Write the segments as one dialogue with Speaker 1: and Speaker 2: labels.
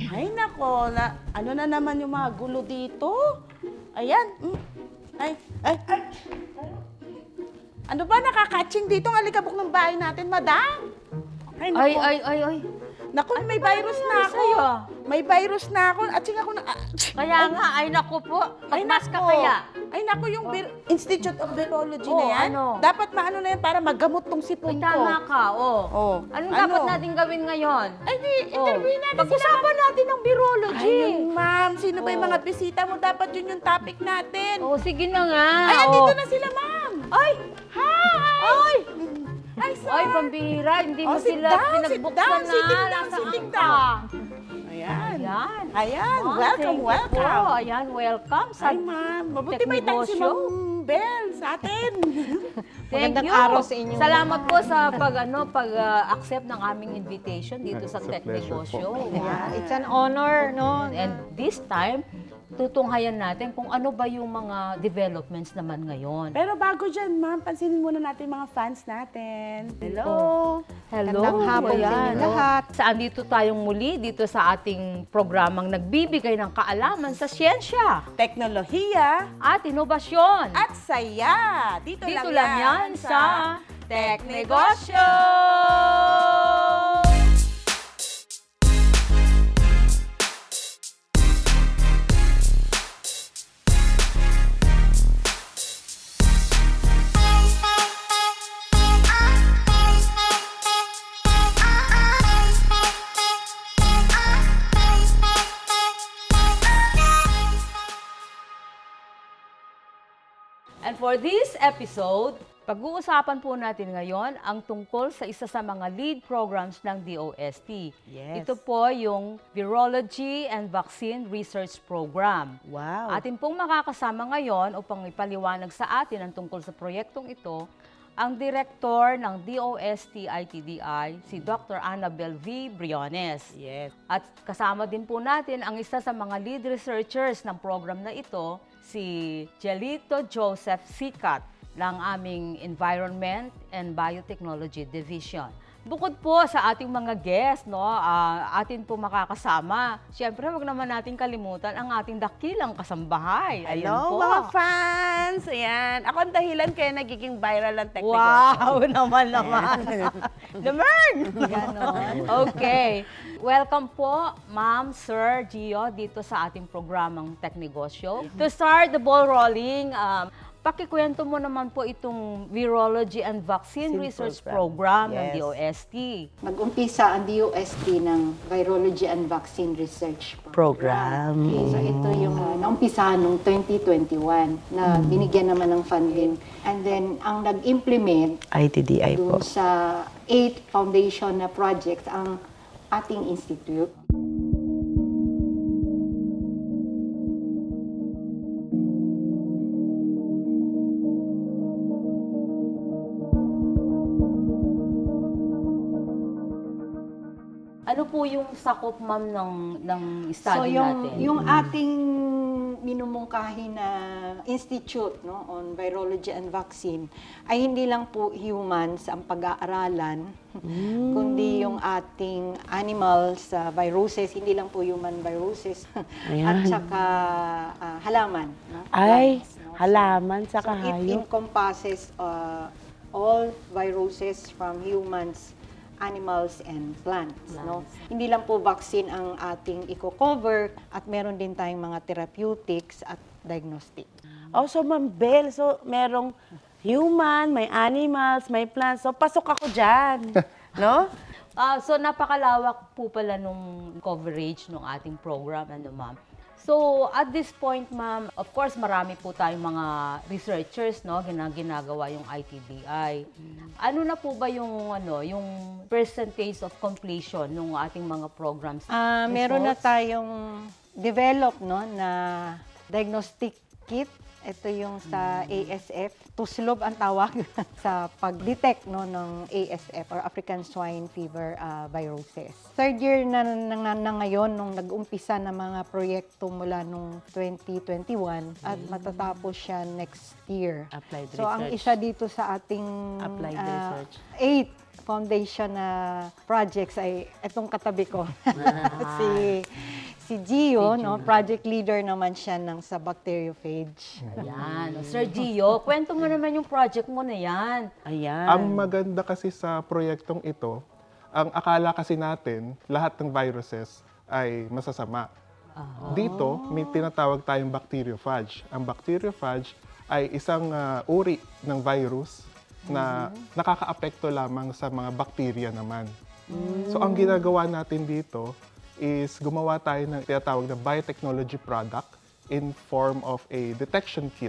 Speaker 1: Ay, nako, ano na naman yung mga gulo dito? Ayan. Ay. Ano ba nakakatching dito ang alikabok ng bahay natin, madam? Ay, nako.
Speaker 2: Ay.
Speaker 1: Naku, may virus na ako.
Speaker 2: sa'yo?
Speaker 1: May virus na ako. Atching ako na...
Speaker 2: Kaya nga, ay naku po. Magmask ka
Speaker 1: nako.
Speaker 2: kaya.
Speaker 1: Ay, naku, yung Institute of Virology
Speaker 2: Oh,
Speaker 1: na yan.
Speaker 2: ano?
Speaker 1: Dapat maano na yan para magamot tong sipon
Speaker 2: Ay,
Speaker 1: ko.
Speaker 2: tama ka,
Speaker 1: Oh.
Speaker 2: Anong
Speaker 1: Ano?
Speaker 2: dapat natin gawin ngayon?
Speaker 1: Ay, di, interviewin natin sila.
Speaker 2: Pag-usapan natin ng virology.
Speaker 1: Ayun, ma'am. Sino ba yung
Speaker 2: Oh.
Speaker 1: mga bisita mo? Dapat yun yung topic natin.
Speaker 2: Oh, sige na nga.
Speaker 1: Ay, andito na sila, ma'am.
Speaker 2: Ay!
Speaker 1: Hi! Ay, sir.
Speaker 2: Ay, pambihira. Hindi mo
Speaker 1: sit
Speaker 2: sila
Speaker 1: down, sit
Speaker 2: pinagbuksan
Speaker 1: down,
Speaker 2: na.
Speaker 1: sitting down,
Speaker 2: Nasaan
Speaker 1: sitting
Speaker 2: ka?
Speaker 1: down. Ayan.
Speaker 2: Ayan.
Speaker 1: Ayan.
Speaker 2: Oh,
Speaker 1: Welcome,
Speaker 2: thank you
Speaker 1: welcome.
Speaker 2: po. Ayan, welcome sa
Speaker 1: Ay, ma'am. Mabuti may time si
Speaker 2: Teknegosyo.
Speaker 1: Ma'am Bell sa atin.
Speaker 2: Thank
Speaker 3: Magandang
Speaker 2: you.
Speaker 3: araw sa inyo.
Speaker 2: Salamat po sa pag-accept ng aming invitation dito sa
Speaker 4: It's a pleasure
Speaker 2: Teknegosyo.
Speaker 4: po.
Speaker 3: Yeah, it's an honor, no?
Speaker 2: And this time, tutunghayan natin kung ano ba yung mga developments naman ngayon.
Speaker 1: Pero bago dyan, ma'am, pansinin muna natin mga fans natin. Hello.
Speaker 2: Hello.
Speaker 3: Magandang hapon sa
Speaker 2: Ayan.
Speaker 3: inyo lahat.
Speaker 2: Saan dito tayong muli dito sa ating programang nagbibigay ng kaalaman sa siyensya
Speaker 1: Teknolohiya
Speaker 2: at inobasyon.
Speaker 1: at saya. Dito,
Speaker 2: Dito lang yan sa Teknegosyo! And for this episode, pag-uusapan po natin ngayon ang tungkol sa isa sa mga lead programs ng DOST.
Speaker 1: Yes.
Speaker 2: Ito po yung Virology and Vaccine Research Program.
Speaker 1: Wow.
Speaker 2: Atin pong makakasama ngayon upang ipaliwanag sa atin ang tungkol sa proyektong ito, ang Direktor ng DOST-ITDI, si Dr. Annabel V. Briones.
Speaker 1: Yes.
Speaker 2: At kasama din po natin ang isa sa mga lead researchers ng program na ito, si Jelito Joseph Sikat ng aming Environment and Biotechnology Division. Bukod po sa ating mga guests, atin po makakasama. Siyempre, wag naman natin kalimutan ang ating dakilang kasambahay. Ayan
Speaker 1: Hello,
Speaker 2: po.
Speaker 1: mga fans. Ayan. Ako ang dahilan kaya nagiging viral ang Teknegosyo.
Speaker 2: Wow, naman. Naman!
Speaker 3: Ganon.
Speaker 2: Okay. Welcome po, Ma'am, Sir Gio, dito sa ating programang Teknegosyo. To start the ball rolling, pakikwento mo naman po itong Virology and Vaccine Research Program ng
Speaker 1: Yes.
Speaker 2: DOST.
Speaker 3: Mag-umpisa ang DOST ng Virology and Vaccine Research
Speaker 1: Program.
Speaker 3: Okay, so ito yung naumpisahan noong 2021 na binigyan naman ng funding. And then, ang nag-implement
Speaker 1: ITDI po.
Speaker 3: dun sa 8 foundation na projects ang ating institute.
Speaker 2: Ano po yung sakop, Ma'am, ng study natin?
Speaker 3: Yung ating minumungkahi na institute, no, on virology and vaccine ay hindi lang po humans ang pag-aaralan, kundi yung ating animals, viruses, hindi lang po human viruses, at saka halaman. No?
Speaker 1: Ay,
Speaker 3: Plants, no?
Speaker 1: halaman sa
Speaker 3: So, it
Speaker 1: kahayop.
Speaker 3: encompasses all viruses from humans, animals, and plants. No? Hindi lang po vaccine ang ating i-cover at meron din tayong mga therapeutics at diagnostic.
Speaker 1: Oh, so Ma'am Bell, so merong human, may animals, may plants. So pasok ako dyan. No?
Speaker 2: So napakalawak po pala nung coverage ng ating program, Ma'am. So, at this point, Ma'am, of course, marami po tayong mga researchers, no, ginagawa yung ITDI. Ano na po ba yung percentage of completion ng ating mga programs?
Speaker 3: Meron na
Speaker 2: Results?
Speaker 3: tayong develop, no, na diagnostic kit. Ito yung sa ASF. Tuslob ang tawag sa pag-detect, no, ng ASF or African Swine Fever viruses. Third year na ngayon nung nag-umpisa na mga proyekto mula nung 2021 at matatapos siya next year.
Speaker 1: Applied
Speaker 3: So ang
Speaker 1: research.
Speaker 3: isa dito sa ating
Speaker 1: Applied research.
Speaker 3: 8 foundation na projects ay itong katabi ko. si Si Gio, no, project leader naman siya sa bacteriophage.
Speaker 2: Ayan. Sir Gio, kwento mo naman yung project mo na yan.
Speaker 1: Ayan.
Speaker 4: Ang maganda kasi sa proyektong ito, ang akala kasi natin, lahat ng viruses ay masasama. Dito, may tinatawag tayong bacteriophage. Ang bacteriophage ay isang uri ng virus na nakakaapekto lamang sa mga bakterya naman. So, ang ginagawa natin dito is gumawa tayo ng tinatawag na biotechnology product in form of a detection kit.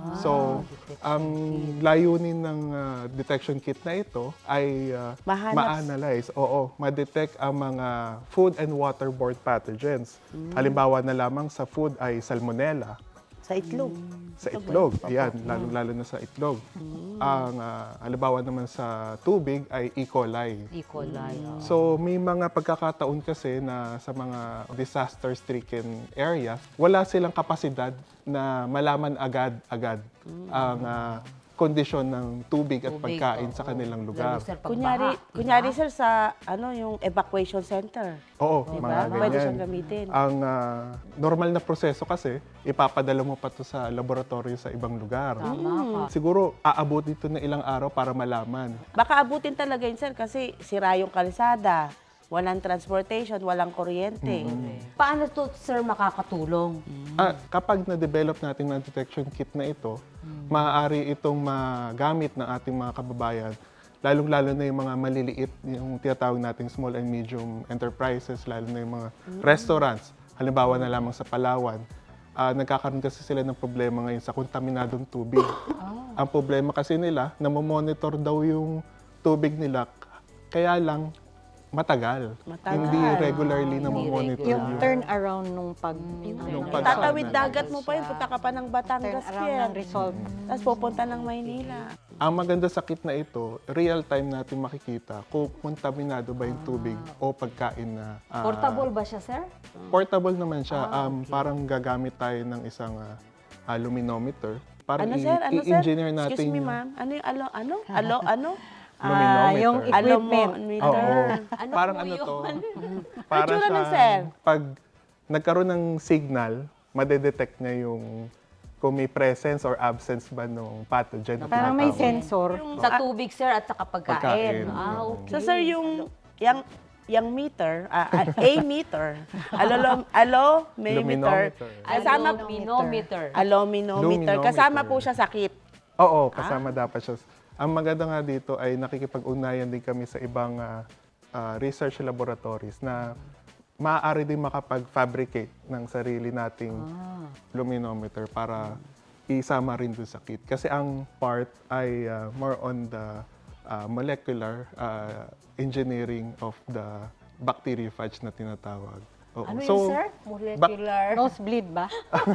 Speaker 4: So, ang layunin ng detection kit na ito ay ma-analyze, ma-detect ang mga food and waterborne pathogens. Halimbawa na lamang sa food ay salmonella.
Speaker 1: Sa itlog.
Speaker 4: Sa itlog, ayan, lalo na sa itlog. Ang halimbawa naman sa tubig ay E. coli.
Speaker 2: E. coli.
Speaker 4: So, may mga pagkakataon kasi na sa mga disaster-stricken areas, wala silang kapasidad na malaman agad-agad ang kondisyon ng tubig at
Speaker 2: Tubig,
Speaker 4: pagkain
Speaker 2: oo.
Speaker 4: sa kanilang
Speaker 2: Lalo,
Speaker 4: lugar.
Speaker 2: sir, pagbaha,
Speaker 1: Kunyari
Speaker 2: diba?
Speaker 1: sir sa yung evacuation center.
Speaker 4: Oo,
Speaker 1: Diba?
Speaker 4: mga
Speaker 1: Pwede
Speaker 4: ganyan.
Speaker 1: siyang gamitin.
Speaker 4: Ang normal na proseso kasi, ipapadala mo pa to sa laboratorio sa ibang lugar.
Speaker 2: Tama ka.
Speaker 4: Siguro, aabot dito na ilang araw para malaman.
Speaker 1: Baka abutin talaga yun sir kasi sira yung kalsada, walang transportation, walang kuryente.
Speaker 2: Paano to, sir, makakatulong?
Speaker 4: Kapag na-develop natin ng detection kit na ito, maaari itong magamit ng ating mga kababayan, lalong-lalo na yung mga maliliit, yung tinatawag nating small and medium enterprises, lalo na yung mga restaurants. Halimbawa na lamang sa Palawan, nagkakaroon kasi sila ng problema ngayon sa kontaminadong tubig. Ang problema kasi nila, namomonitor daw yung tubig nila, kaya lang matagal. Hindi regularly namomonitor
Speaker 3: Yung
Speaker 4: yun.
Speaker 3: turnaround nung
Speaker 1: Tatawid dagat mo pa yun, punta ka pa ng Batangas,
Speaker 3: turnaround
Speaker 1: Pierre.
Speaker 3: ng result.
Speaker 1: Tapos pupunta ng Maynila.
Speaker 4: Ang maganda sa kit na ito, real time natin makikita kung kontaminado ba yung tubig o pagkain na...
Speaker 2: Portable ba siya, sir?
Speaker 4: Portable naman siya. Parang gagamit tayo ng isang luminometer. Parang
Speaker 1: Ano sir? Ano sir?
Speaker 4: i-engineer natin
Speaker 1: Excuse me
Speaker 4: yung
Speaker 1: ma'am. Ano yung ano?
Speaker 4: luminometer.
Speaker 3: yung equipment.
Speaker 4: Oo.
Speaker 2: Ano
Speaker 4: Parang
Speaker 2: po
Speaker 4: ano
Speaker 2: yun?
Speaker 4: to? Para
Speaker 1: Itsura nun,
Speaker 4: siya,
Speaker 1: sir.
Speaker 4: pag nagkaroon ng signal, madedetect niya yung kung may presence or absence ba ng pathogen na
Speaker 3: Parang may
Speaker 4: tinatawag.
Speaker 3: sensor.
Speaker 2: Sa tubig, sir, at sa pagkain.
Speaker 4: Pagkain.
Speaker 2: Okay.
Speaker 1: So sir, yung meter, meter, allometer,
Speaker 4: Luminometer.
Speaker 1: kasama
Speaker 2: Aluminometer.
Speaker 1: aluminometer, kasama po siya sa kit.
Speaker 4: Oo, kasama dapat siya. Ang maganda nga dito ay nakikipag-ugnayan din kami sa ibang research laboratories na maaari din makapag-fabricate ng sarili nating luminometer para isama rin doon sa kit. Kasi ang part ay more on the molecular engineering of the bacteriophage na tinatawag. Oo.
Speaker 2: Ano yun, sir? Molecular.
Speaker 3: Nosebleed ba?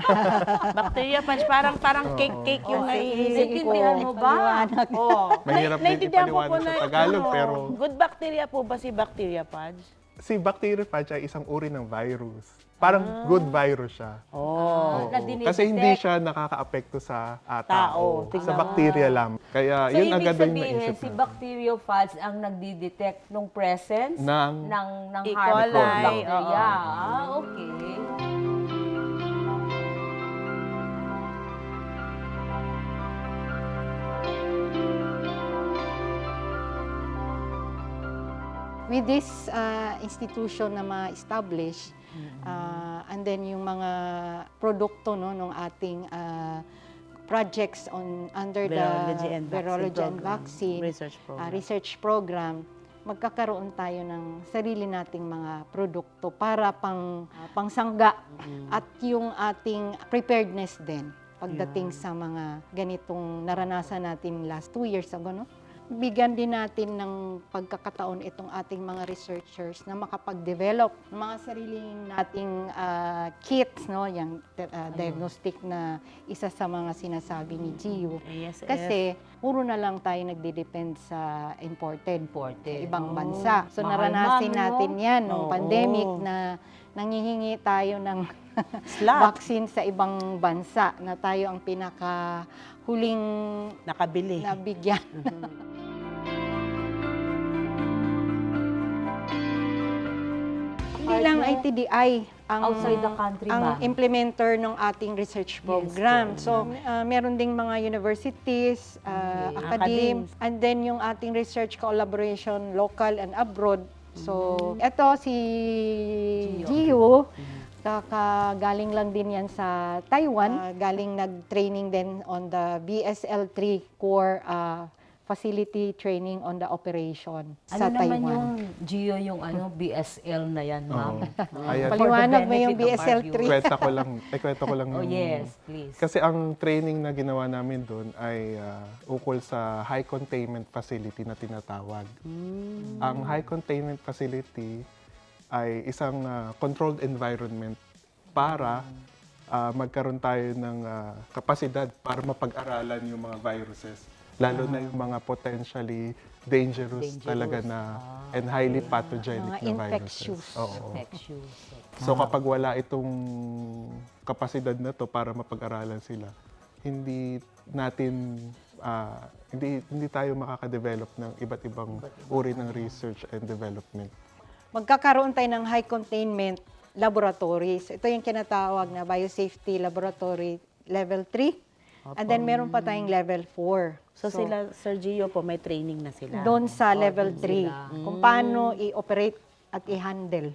Speaker 1: Bacteria punch, parang cake yung naiisip ko.
Speaker 2: Naiintindihan mo ba?
Speaker 1: Oo.
Speaker 4: Mahirap din
Speaker 1: Naiintindihan ko po
Speaker 4: ipaliwanag sa Tagalog,
Speaker 1: ano,
Speaker 4: pero
Speaker 1: good bacteria po ba si bacteria punch?
Speaker 4: si bacteriophage ay isang uri ng virus. Parang good virus siya.
Speaker 1: Oh.
Speaker 4: Oo.
Speaker 2: Na dinidetect.
Speaker 4: Kasi hindi siya nakakaapekto sa
Speaker 1: Tao.
Speaker 4: tao. Sa bacteria lang. Kaya
Speaker 2: So,
Speaker 4: yun
Speaker 2: ibig
Speaker 4: agad yung
Speaker 2: sabihin,
Speaker 4: naisip
Speaker 2: si
Speaker 4: natin.
Speaker 2: bacteriophage ang nagdi-detect ng presence
Speaker 4: Ng
Speaker 2: E.
Speaker 1: coli,
Speaker 2: harmful bacteria.
Speaker 1: oo.
Speaker 2: Okay.
Speaker 3: With this institution na ma-establish, and then yung mga produkto ng ating projects under
Speaker 1: Virology
Speaker 3: the
Speaker 1: and
Speaker 3: Virology and
Speaker 1: vaccine
Speaker 3: Vaccine
Speaker 1: program.
Speaker 3: research program, magkakaroon tayo ng sarili nating mga produkto para pangsangga at yung ating preparedness din pagdating sa mga ganitong naranasan natin last 2 years ago, no? Bigyan din natin ng pagkakataon itong ating mga researchers na makapag-develop ng mga sariling nating kits, no? Yung diagnostic na isa sa mga sinasabi ni Gio.
Speaker 1: ASF.
Speaker 3: Kasi puro na lang tayo nagde-depend sa imported sa ibang
Speaker 2: Oh,
Speaker 3: bansa. So
Speaker 2: mahal,
Speaker 3: naranasin
Speaker 2: ma'am, no?
Speaker 3: natin yan nung
Speaker 1: Oo.
Speaker 3: pandemic na nanghihingi tayo ng
Speaker 1: Slot.
Speaker 3: vaccine sa ibang bansa na tayo ang pinakahuling
Speaker 1: Nakabili.
Speaker 3: nabigyan.
Speaker 1: Hindi
Speaker 3: lang
Speaker 2: nyo?
Speaker 3: ITDI ang
Speaker 2: Outside the country
Speaker 3: ang
Speaker 2: ba?
Speaker 3: implementer ng ating research program. So, meron ding mga universities, academies, and then yung ating research collaboration local and abroad. So, eto si Gio, kakagaling lang din yan sa Taiwan. Galing nag-training din on the BSL-3 core facility training on the operation sa
Speaker 2: Ano naman
Speaker 3: Taiwan.
Speaker 2: yung Gio, yung BSL na yan, ma'am?
Speaker 4: Ayan.
Speaker 3: Paliwanag mo yung
Speaker 2: benefit of our
Speaker 3: BSL-3.
Speaker 4: Kwento ko lang
Speaker 2: Oh,
Speaker 4: yung-
Speaker 2: yes, please.
Speaker 4: Kasi ang training na ginawa namin doon ay ukol sa high containment facility na tinatawag. Ang high containment facility ay isang controlled environment para magkaroon tayo ng kapasidad para mapag-aralan yung mga viruses. Lalo na yung mga potentially dangerous talaga na and highly pathogenic
Speaker 3: Mga
Speaker 4: na
Speaker 3: infectious.
Speaker 4: viruses. Oo.
Speaker 2: Infectious.
Speaker 4: So kapag wala itong kapasidad na to para mapag-aralan sila, hindi natin hindi tayo makaka-develop ng iba't ibang uri ng research and development.
Speaker 3: Magkakaroon tayo ng high containment laboratories. Ito yung kinatawag na biosafety laboratory level 3. And then meron pa tayong level 4.
Speaker 1: So, sila, Sir Gio po, may training na sila.
Speaker 3: Doon sa level
Speaker 2: doon
Speaker 3: 3,
Speaker 2: sila.
Speaker 3: kung paano i-operate at i-handle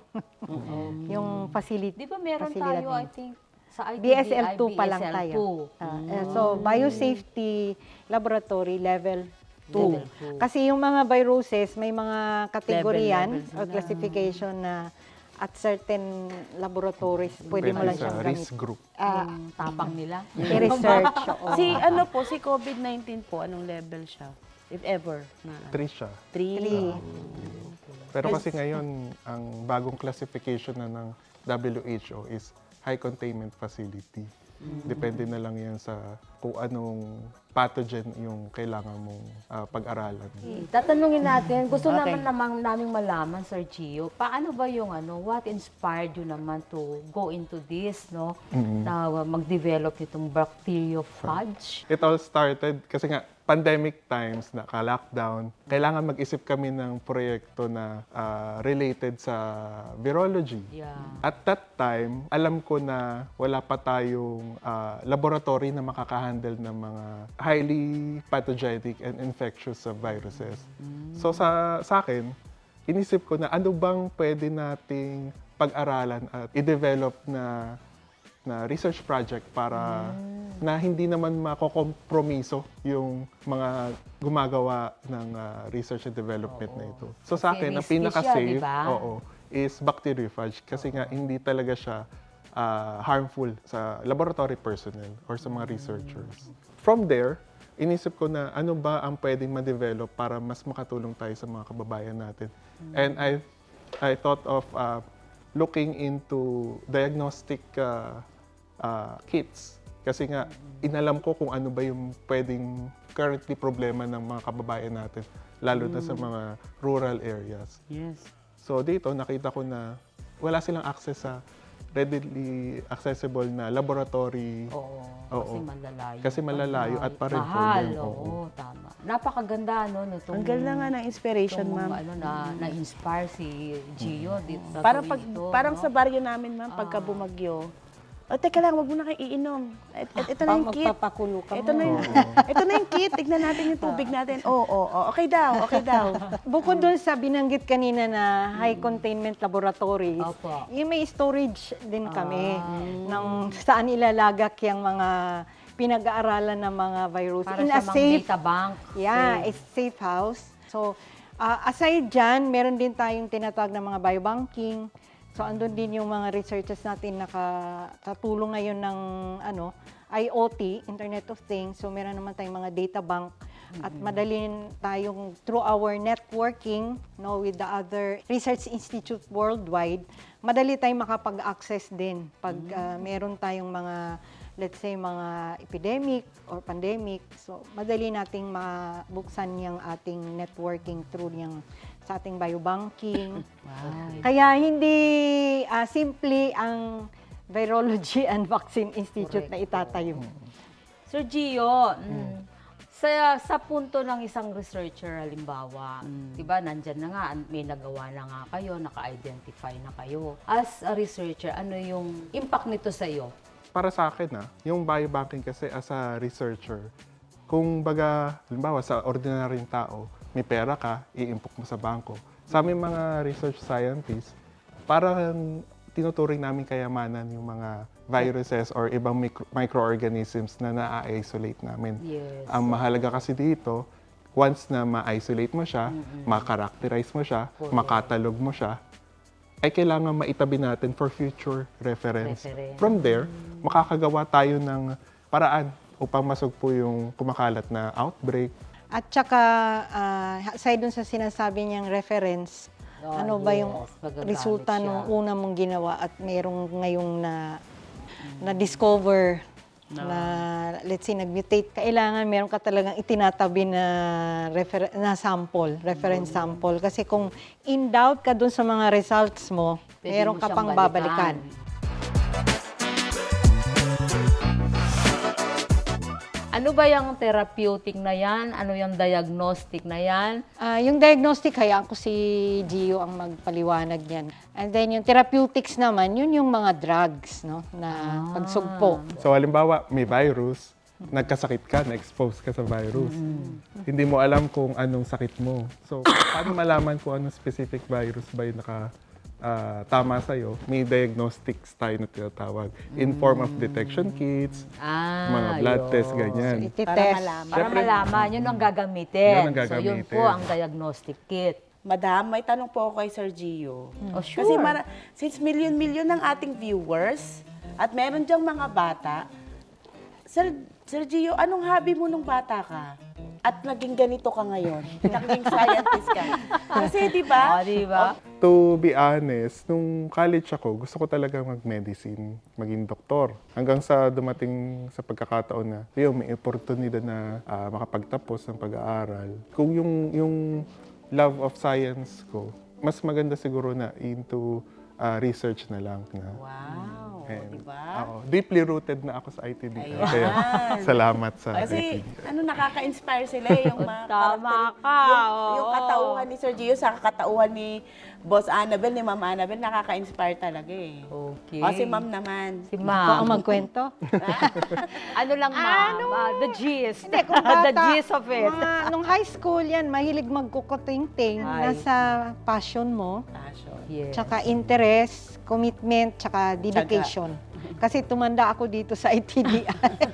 Speaker 3: yung facility.
Speaker 2: Di ba meron
Speaker 3: fasilidad
Speaker 2: tayo,
Speaker 3: na
Speaker 2: I
Speaker 3: yun.
Speaker 2: think, sa ITDI,
Speaker 3: BSL-2 pa lang
Speaker 2: BSL-2.
Speaker 3: tayo. So, biosafety laboratory level 2.
Speaker 2: Level 2.
Speaker 3: Kasi yung mga viruses, may mga kategorya yan
Speaker 1: Level
Speaker 3: or classification na at certain laboratories, pwede mo lang
Speaker 4: sa
Speaker 3: siyang
Speaker 4: risk
Speaker 3: gamit.
Speaker 4: group.
Speaker 2: Yung tapang nila.
Speaker 3: I-research. oo.
Speaker 1: Si COVID-19 po, anong level siya? If ever. Na,
Speaker 4: 3 siya.
Speaker 1: 3.
Speaker 4: Pero kasi ngayon, ang bagong classification na ng WHO is high containment facility. Depende na lang yan sa kung anong pathogen yung kailangan mong pag-aralan.
Speaker 2: Tatanungin natin, gusto
Speaker 1: Okay.
Speaker 2: naming malaman, Sir Gio, paano ba yung what inspired you naman to go into this, no? Na mag-develop itong bacteriophage?
Speaker 4: It all started kasi nga pandemic times, naka-lockdown. Kailangan mag-isip kami ng proyekto na related sa virology.
Speaker 2: Yeah.
Speaker 4: At that time, alam ko na wala pa tayong laboratory na makaka-handle ng mga highly pathogenic and infectious viruses. So sa akin, inisip ko na ano bang pwede nating pag-aralan at i-develop na research project para na hindi naman makokompromiso yung mga gumagawa ng research and development na ito. So sa
Speaker 2: Kasi
Speaker 4: akin, ang
Speaker 2: risky
Speaker 4: pinaka-safe
Speaker 2: siya, di ba?
Speaker 4: is bacteriophage kasi nga hindi talaga siya harmful sa laboratory personnel or sa mga researchers. From there, inisip ko na ano ba ang pwedeng ma-develop para mas makatulong tayo sa mga kababayan natin. And I thought of looking into diagnostic kits. Kasi nga, inalam ko kung ano ba yung pwedeng currently problema ng mga kababayan natin, lalo na sa mga rural areas.
Speaker 1: Yes.
Speaker 4: So dito, nakita ko na wala silang access sa readily accessible na laboratory.
Speaker 2: Oo,
Speaker 4: Oo.
Speaker 2: kasi malalayo.
Speaker 4: Kasi malalayo at pareho
Speaker 2: Mahal,
Speaker 4: yan,
Speaker 2: oo,
Speaker 4: oo.
Speaker 2: tama. Napakaganda, no? Nitong,
Speaker 1: Ang ganda nga ng inspiration,
Speaker 2: itong,
Speaker 1: ma'am.
Speaker 2: na-inspire si Gio dito sa
Speaker 1: Parang,
Speaker 2: ito,
Speaker 1: parang
Speaker 2: no?
Speaker 1: sa baryo namin, ma'am, pagka bumagyo. O, teka lang, wag mo na kayo iinom. Ito na yung kit.
Speaker 3: Magpapakulo ka
Speaker 1: Ito na yung, ito na yung kit. Tignan natin yung tubig natin. Oo. Okay daw, okay daw.
Speaker 3: Bukod doon sa binanggit kanina na high containment laboratories,
Speaker 2: Opo.
Speaker 3: yung may storage din kami ng saan ilalagak yung mga pinag-aaralan ng mga virus.
Speaker 2: Para
Speaker 3: In
Speaker 2: sa
Speaker 3: a
Speaker 2: mga
Speaker 3: safe,
Speaker 2: data bank.
Speaker 3: yeah, it's safe house. So, aside dyan, meron din tayong tinatawag na mga biobanking. So, andun din yung mga researchers natin nakatulong ngayon ng IoT, Internet of Things. So, meron naman tayong mga data bank at madali tayong through our networking with the other research institute worldwide, madali tayong makapag-access din pag meron tayong mga, let's say, mga epidemic or pandemic. So, madali nating mabuksan yung ating networking through yung sa ating biobanking. Kaya hindi simple ang Virology and Vaccine Institute na itatayo.
Speaker 2: Sir Gio, Sa punto ng isang researcher, halimbawa, di ba, nandyan na nga, may nagawa na nga kayo, naka-identify na kayo. As a researcher, ano yung impact nito sa iyo?
Speaker 4: Para sa akin, yung biobanking kasi as a researcher, kung baga, halimbawa sa ordinaryong tao, may pera ka, i-impok mo sa bangko. Sa aming mga research scientists, parang tinuturing namin kayamanan yung mga viruses or ibang microorganisms na na-isolate namin.
Speaker 2: Yes.
Speaker 4: Ang mahalaga kasi dito, once na ma-isolate mo siya, ma-characterize mo siya, makatalog mo siya, ay kailangan maitabi natin for future reference. From there, makakagawa tayo ng paraan upang masugpo yung kumakalat na outbreak.
Speaker 3: At saka, aside dun sa sinasabi niyang reference, ano ba yung
Speaker 2: magagamit
Speaker 3: resulta
Speaker 2: siya.
Speaker 3: nung una mong ginawa at mayroong ngayong na-discover na, let's say, nag-mutate. Kailangan meron ka talagang itinatabi na, reference sample. Kasi kung in doubt ka dun sa mga results mo,
Speaker 2: Pwede
Speaker 3: meron
Speaker 2: mo
Speaker 3: ka
Speaker 2: siyang
Speaker 3: pang
Speaker 2: balikan.
Speaker 3: babalikan.
Speaker 2: Ano ba yung therapeutic na yan? Ano yung diagnostic na yan?
Speaker 3: Yung diagnostic, hayaan ko si Gio ang magpaliwanag niyan. And then yung therapeutics naman, yun yung mga drugs, no, na pagsugpo.
Speaker 4: So halimbawa, may virus, nagkasakit ka, na-expose ka sa virus. Hindi mo alam kung anong sakit mo. So, paano malaman kung anong specific virus ba yung tama sa'yo? May diagnostics tayo na tinatawag. In form of detection kits, mga blood tests, ganyan.
Speaker 3: Ititest.
Speaker 2: Para malaman, yun ang gagamitin.
Speaker 4: Yun ang
Speaker 2: So, yun
Speaker 4: gagamitin.
Speaker 2: po ang diagnostic kit.
Speaker 1: Madam, may tanong po ako kay Sir Gio.
Speaker 2: Oh, sure.
Speaker 1: Kasi since milyon-milyon ng ating viewers at meron diyang mga bata, Sir Gio, anong hobby mo nung bata ka? At naging ganito ka ngayon? Naging scientist ka? Kasi, di ba?
Speaker 2: Di ba?
Speaker 4: To be honest, nung college ako, gusto ko talaga mag-medicine, maging doktor. Hanggang sa dumating sa pagkakataon na, may oportunidad na makapagtapos ng pag-aaral. Kung yung love of science ko, mas maganda siguro na into research na lang.
Speaker 1: Wow,
Speaker 4: And,
Speaker 1: di ba?
Speaker 4: deeply rooted na ako sa ITD.
Speaker 1: Ayan.
Speaker 4: Kaya salamat sa
Speaker 1: Kasi,
Speaker 4: ITD.
Speaker 1: nakaka-inspire sila yung mga
Speaker 2: Tama ka,
Speaker 1: yung
Speaker 2: oo.
Speaker 1: katauhan ni Sir Gio sa katauhan ni Boss Annabel, ni Ma'am Annabel, nakaka-inspire talaga eh.
Speaker 2: Okay.
Speaker 1: O, si Ma'am naman.
Speaker 2: Si
Speaker 3: Ikaw ang
Speaker 2: Ma'am.
Speaker 3: magkwento?
Speaker 2: Ano lang, Ma'am? The gist.
Speaker 3: Hindi, kung bata,
Speaker 2: The gist of it.
Speaker 3: nung high school yan, mahilig magkukuting-ting.
Speaker 2: Ay.
Speaker 3: Nasa passion mo,
Speaker 1: Passion.
Speaker 2: Yes.
Speaker 3: tsaka interest, commitment, tsaka dedication. Kasi tumanda ako dito sa ITDI.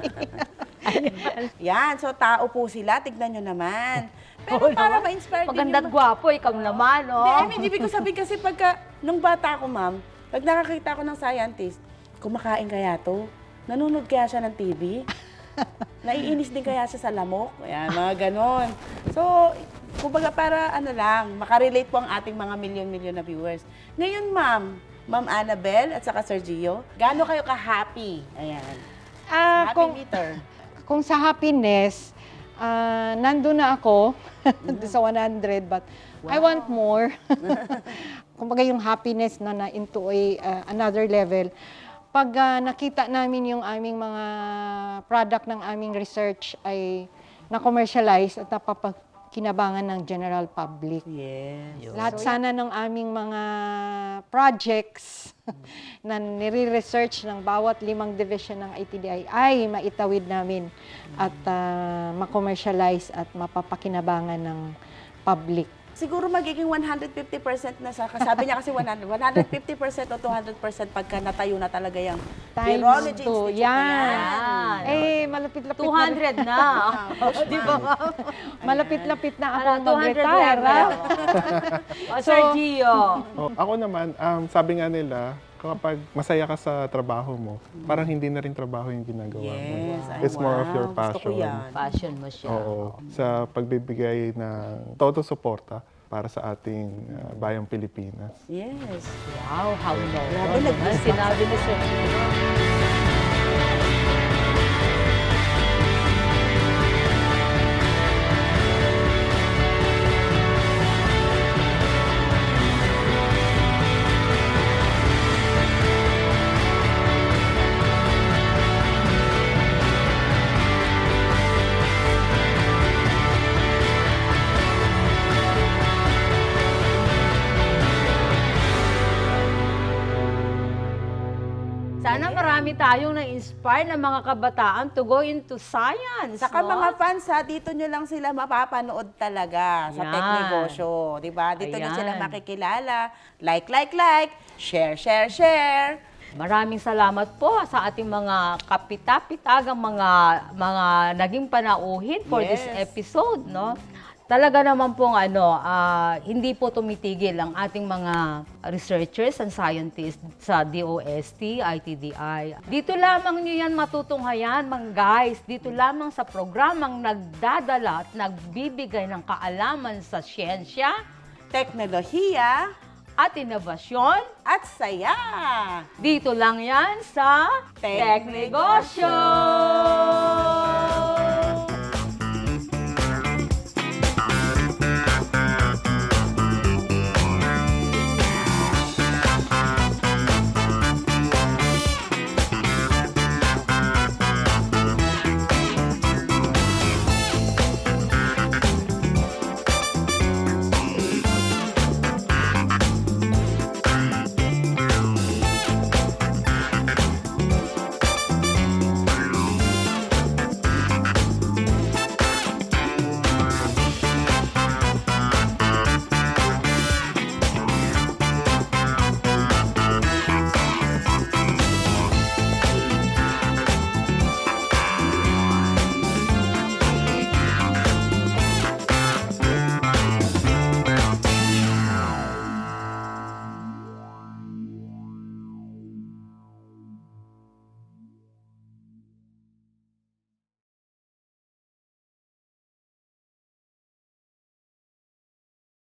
Speaker 1: Yan, so tao po sila, tignan nyo naman. Pero para ma-inspire din
Speaker 2: Maganda at
Speaker 1: yung...
Speaker 2: gwapo, ikaw naman, no?
Speaker 1: Hindi, I mean, ibig ko sabihin kasi pagka, nung bata ako, ma'am, pag nakakita ko ng scientist, kumakain kaya to? Nanonood kaya siya ng TV? Naiinis din kaya siya sa lamok? Ayan, mga ganon. So, kumbaga para makarelate po ang ating mga milyon-milyon na viewers. Ngayon, Ma'am Annabel at saka Sir Gio, gaano kayo ka-happy? Ayan. Happy
Speaker 3: kung,
Speaker 1: meter.
Speaker 3: kung sa happiness, nandun na ako sa 100, but I want more. Kumbaga yung happiness na into another level. Pag nakita namin yung aming mga product ng aming research ay na-commercialize at napapakinabangan ng general public.
Speaker 1: Yes.
Speaker 3: Lahat sana ng aming mga projects na nire-research ng bawat 5 division ng ITDI ay maitawid namin at ma-commercialize at mapapakinabangan ng public.
Speaker 1: Siguro magiging 150% na sa, sabi niya kasi 150% o 200% pagka natayo na talaga yung
Speaker 3: Times
Speaker 1: Virology
Speaker 3: 2.
Speaker 1: Institute
Speaker 3: Yan.
Speaker 1: na yan.
Speaker 3: Malapit-lapit
Speaker 2: 200 na. Di ba?
Speaker 3: Malapit-lapit na ako
Speaker 2: 200
Speaker 3: mag-retire.
Speaker 2: level.
Speaker 3: ha?
Speaker 2: O, Sir Gio.
Speaker 4: Ako naman, sabi nga nila, kapag masaya ka sa trabaho mo, parang hindi na rin trabaho yung ginagawa mo.
Speaker 1: Yes. Ay,
Speaker 4: It's more of your
Speaker 1: wow. Gusto ko
Speaker 4: passion.
Speaker 1: yan.
Speaker 2: Passion mo siya.
Speaker 4: Oo. Sa pagbibigay ng todo suporta para sa ating bayang Pilipinas.
Speaker 1: Yes.
Speaker 2: Wow, how noble.
Speaker 1: Grabe,
Speaker 2: Ang sinabi ni Sir Gio. Sana marami tayong na-inspire ng mga kabataan to go into science.
Speaker 1: Saka
Speaker 2: no?
Speaker 1: mga fans ha, dito nyo lang sila mapapanood talaga sa
Speaker 2: Yan.
Speaker 1: Tech Negosyo. Diba? Dito nyo sila
Speaker 2: Ayan.
Speaker 1: makikilala. Like, share.
Speaker 2: Maraming salamat po sa ating mga kapitapitagang mga naging panauhin for this
Speaker 1: Yes.
Speaker 2: episode, no? Talaga naman pong hindi po tumitigil ang ating mga researchers and scientists sa DOST, ITDI. Dito lamang nyo yan matutunghayan, mga guys. Dito lamang sa programang nagdadala at nagbibigay ng kaalaman sa siyensya
Speaker 1: Teknolohiya
Speaker 2: at inobasyon.
Speaker 1: at saya.
Speaker 2: Dito lang yan sa
Speaker 1: Tech
Speaker 2: Tech Negosyo!